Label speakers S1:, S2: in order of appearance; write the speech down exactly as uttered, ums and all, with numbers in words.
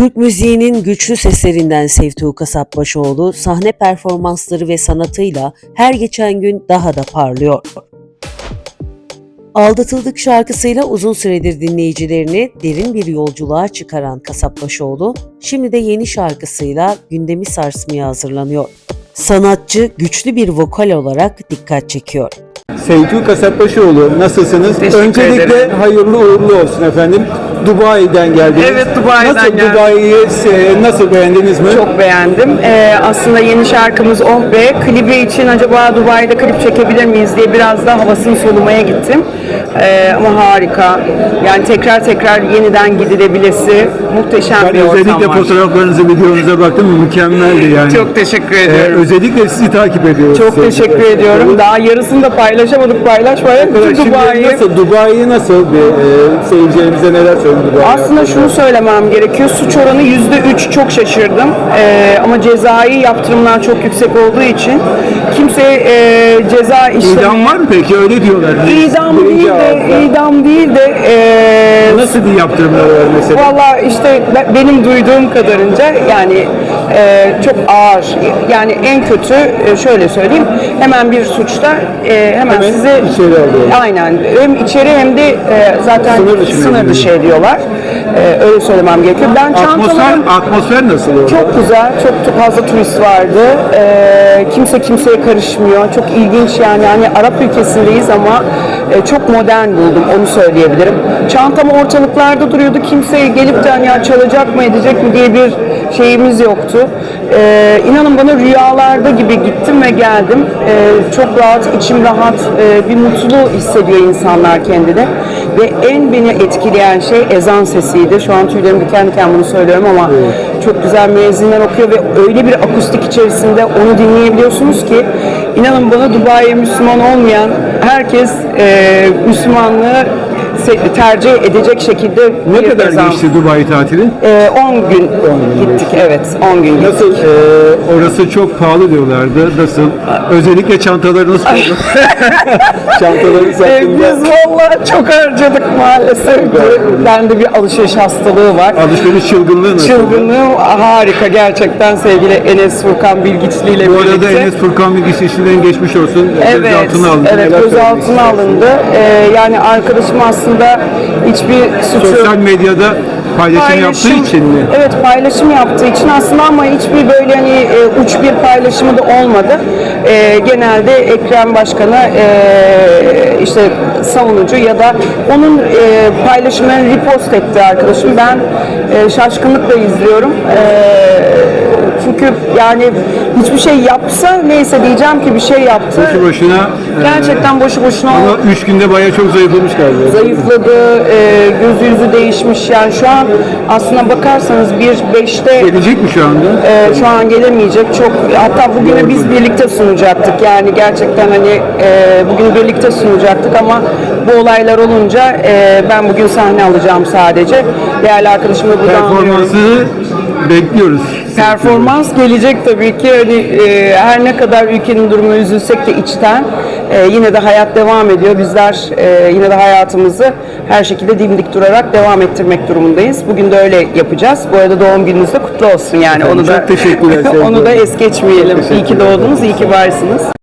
S1: Türk müziğinin güçlü seslerinden Sevtuğ Kasapbaşıoğlu sahne performansları ve sanatıyla her geçen gün daha da parlıyor. Aldatıldık şarkısıyla uzun süredir dinleyicilerini derin bir yolculuğa çıkaran Kasapbaşıoğlu, şimdi de yeni şarkısıyla gündemi sarsmaya hazırlanıyor. Sanatçı güçlü bir vokal olarak dikkat çekiyor.
S2: Sevtuğ Kasapbaşıoğlu, nasılsınız?
S3: Teşekkür
S2: Öncelikle
S3: ederim.
S2: hayırlı uğurlu olsun efendim. Dubai'den geldiniz.
S3: Evet, Dubai'den
S2: nasıl,
S3: geldim.
S2: Dubai'yi e, nasıl beğendiniz mi?
S3: Çok beğendim. Ee, aslında yeni şarkımız Oh Be. Klibi için acaba Dubai'de klip çekebilir miyiz diye biraz da havasını solumaya gittim. Ee, ama harika. Yani tekrar tekrar yeniden gidilebilesi muhteşem
S2: Ben
S3: bir ortam
S2: özellikle
S3: var.
S2: fotoğraflarınızı, videonuza baktım. Mükemmeldi yani.
S3: Çok teşekkür
S2: Ee,
S3: ediyorum.
S2: özellikle sizi takip ediyoruz.
S3: Çok
S2: Sevgili
S3: teşekkür
S2: arkadaşlar.
S3: ediyorum. Daha yarısını da paylaşamadık. Paylaşmaya.
S2: Şimdi
S3: Dubai'yi.
S2: nasıl, Dubai'yi nasıl bir e, seyircilerimize neler söyledi Dubai?
S3: Aslında şunu söylemem gerekiyor. Suç oranı yüzde üç, çok şaşırdım. Ee, ama cezai yaptırımlar çok yüksek olduğu için kimse e, ceza işlemi...
S2: İdam var mı peki? Öyle diyorlar.
S3: İdam
S2: Birinci
S3: değil de,
S2: ağızda.
S3: idam değil de e,
S2: Nasıl bir yaptırımlar var mesela?
S3: valla işte be- benim duyduğum kadarınca yani e, çok ağır. Yani en kötü e, şöyle söyleyeyim, hemen bir suçta e, hemen,
S2: Hemen
S3: sizi
S2: içeri alıyorlar.
S3: aynen hem içeri hem de e, zaten
S2: Sınır dışı
S3: sınır
S2: ediyorlar.
S3: dışı ediyorlar. E, öyle söylemem gerekiyor. Ben
S2: Atmosfer,
S3: çantalarım
S2: atmosfer nasıl orada?
S3: çok güzel, çok fazla turist vardı. Ee, kimse kimseye karışmıyor. Çok ilginç yani. Hani Arap ülkesindeyiz ama e, çok modern buldum, onu söyleyebilirim. Çantam ortalıklarda duruyordu. Kimse gelip de hani ya çalacak mı edecek mi diye bir şeyimiz yoktu. Ee, inanın bana rüyalarda gibi gittim ve geldim. Ee, çok rahat, içim rahat, e, bir mutlu hissediyor insanlar kendini. Ve en beni etkileyen şey ezan sesiydi. Şu an tüylerim diken diken bunu söylüyorum ama çok güzel müezzinler okuyor ve öyle bir akustik içerisinde onu dinleyebiliyorsunuz ki inanın bana Dubai'ye Müslüman olmayan herkes e, Müslümanlığı se- tercih edecek şekilde
S2: Ne
S3: bir
S2: kadar
S3: ezan.
S2: geçti Dubai tatili?
S3: E, on gün
S2: gün
S3: gittik, evet on gün gittik.
S2: Nasıl? e, orası çok pahalı diyorlardı. Nasıl? Özellikle çantalarınız oldu. Çantaları
S3: E,
S2: sattığında
S3: biz valla çok harcadık maalesef. Bende bir alışveriş hastalığı var.
S2: alışveriş çılgınlığı nasıl?
S3: Çılgınlığım harika gerçekten, sevgili Enes Furkan Bilgiçli ile
S2: Bu arada
S3: birlikte.
S2: Enes Furkan Bilgiç işinden geçmiş olsun.
S3: Evet,
S2: Gözaltına alındı.
S3: evet
S2: Neler söylemek
S3: gözaltına
S2: istersiniz?
S3: alındı. Ee, yani arkadaşım aslında hiçbir suçu
S2: Sosyal medyada paylaşım, yaptığı için mi?
S3: Evet, paylaşım yaptığı için aslında, ama hiçbir böyle hani e, uç bir paylaşımı da olmadı. E, genelde Ekrem Başkan'a e, işte savunucu ya da onun e, paylaşımlarını repost etti arkadaşım. Ben e, şaşkınlıkla izliyorum. E, çünkü yani hiçbir şey yapsa neyse diyeceğim ki bir şey yaptı.
S2: Boşu boşuna. e,
S3: Gerçekten boşu boşuna o
S2: Ama üç günde bayağı çok zayıflamış galiba.
S3: zayıfladı, e, gözü yüzü değişmiş. Yani şu an aslına bakarsanız bir beşte
S2: Gelecek mi şu anda?
S3: e, şu an gelemeyecek. Çok, hatta bugünü biz birlikte sunacaktık. Yani gerçekten hani e, bugünü birlikte sunacaktık ama bu olaylar olunca e, ben bugün sahne alacağım sadece. Değerli arkadaşımla buradan anlıyorum.
S2: Performansı bekliyoruz.
S3: Performans gelecek tabii ki. Hani e, her ne kadar ülkenin durumu üzülsek de içten e, yine de hayat devam ediyor. Bizler e, yine de hayatımızı her şekilde dimdik durarak devam ettirmek durumundayız. Bugün de öyle yapacağız. Bu arada doğum gününüz de kutlu olsun yani.
S2: Efendim,
S3: Onu da
S2: çok teşekkürler, sevgiler.
S3: onu da es geçmeyelim.
S2: Çok
S3: İyi ki
S2: teşekkürler.
S3: doğdunuz, iyi ki varsınız.